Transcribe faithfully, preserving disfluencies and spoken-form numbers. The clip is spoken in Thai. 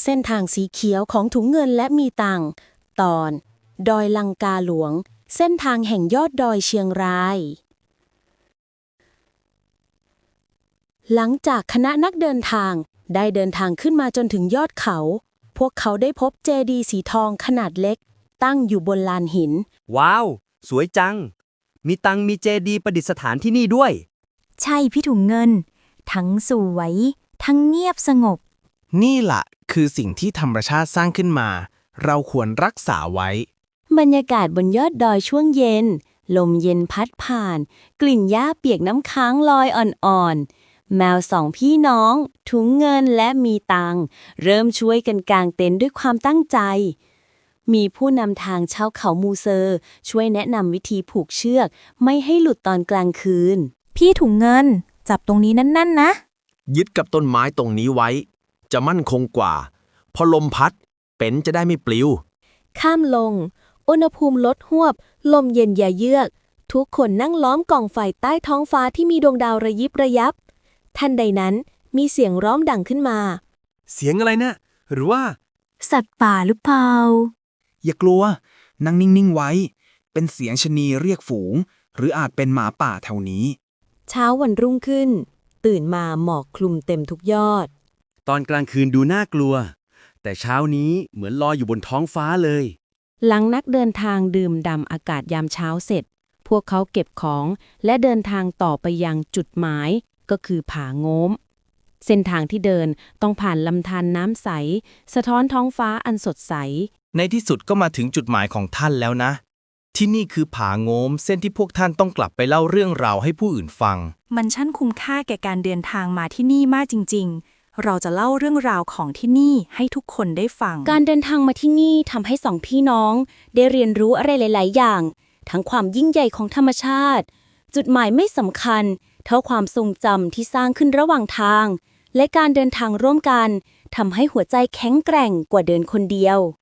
เส้นทางสีเขียวของถุงเงินและมีตังค์ตอน ดอยลังกาหลวง เส้นทางแห่งยอดดอยเชียงราย หลังจากคณะนักเดินทางได้เดินทางขึ้นมาจนถึงยอดเขา พวกเขาได้พบเจดีย์สีทองขนาดเล็กตั้งอยู่บนลานหินว้าว สวยจัง มีตังมีเจดีย์ประดิษฐานที่นี่ด้วยใช่พี่ถุงเงิน ทั้งสวย ทั้งเงียบสงบนี่ล่ะคือสิ่งที่ธรรมชาติสร้างขึ้นมา เราควรรักษาไว้บรรยากาศบนยอดดอยช่วงเย็น ลมเย็นพัดผ่าน กลิ่นหญ้าเปียกน้ำค้างลอยอ่อนๆ แมวสองพี่น้อง ถุงเงินและมีตังเริ่มช่วยกันกางเต็นท์ด้วยความตั้งใจ มีผู้นำทางชาวเขามูเซอร์ ช่วยแนะนำวิธีผูกเชือกไม่ให้หลุดตอนกลางคืนพี่ถุงเงิน จับตรงนี้นั่นๆนะยึดกับต้นไม้ตรงนี้ไว้ จะมั่นคงกว่า พอลมพัด เป็นจะได้ไม่ปลิวข้ามลง อุณหภูมิลดหวบ ลมเย็นอย่าเยือก ทุกคนนั่งล้อมกองไฟใต้ท้องฟ้าที่มีดวงดาวระยิบระยับ ทันใดนั้นมีเสียงร้องดังขึ้นมาเสียงอะไรนะ หรือว่าสัตว์ป่าหรือเปล่าอย่ากลัว นั่งนิ่งๆไว้ เป็นเสียงชะนีเรียกฝูง หรืออาจเป็นหมาป่าแถวนี้เช้าวันรุ่งขึ้น ตื่นมาหมอกคลุมเต็มทุกยอดตอนกลางคืนดูน่ากลัว แต่เช้านี้เหมือนลอยอยู่บนท้องฟ้าเลยหลังนักเดินทางดื่มด่ำอากาศยามเช้าเสร็จ พวกเขาเก็บของและเดินทางต่อไปยังจุดหมายก็คือผาโง้ม เส้นทางที่เดินต้องผ่านลำธารน้ำใส สะท้อนท้องฟ้าอันสดใสในที่สุดก็มาถึงจุดหมายของท่านแล้วนะ ที่นี่คือผาโง้มเส้นที่พวกท่านต้องกลับไปเล่าเรื่องราวให้ผู้อื่นฟังมันช่างคุ้มค่าแก่การเดินทางมาที่นี่มากจริงๆ เราจะเล่าเรื่องราวของที่นี่ให้ทุกคนได้ฟังการเดินทางมาที่นี่ทำให้สองพี่น้องได้เรียนรู้อะไรหลาย ๆ อย่าง ทั้งความยิ่งใหญ่ของธรรมชาติ จุดหมายไม่สำคัญ เท่าความทรงจำที่สร้างขึ้นระหว่างทาง และการเดินทางร่วมกันทำให้หัวใจแข็งแกร่งกว่าเดินคนเดียว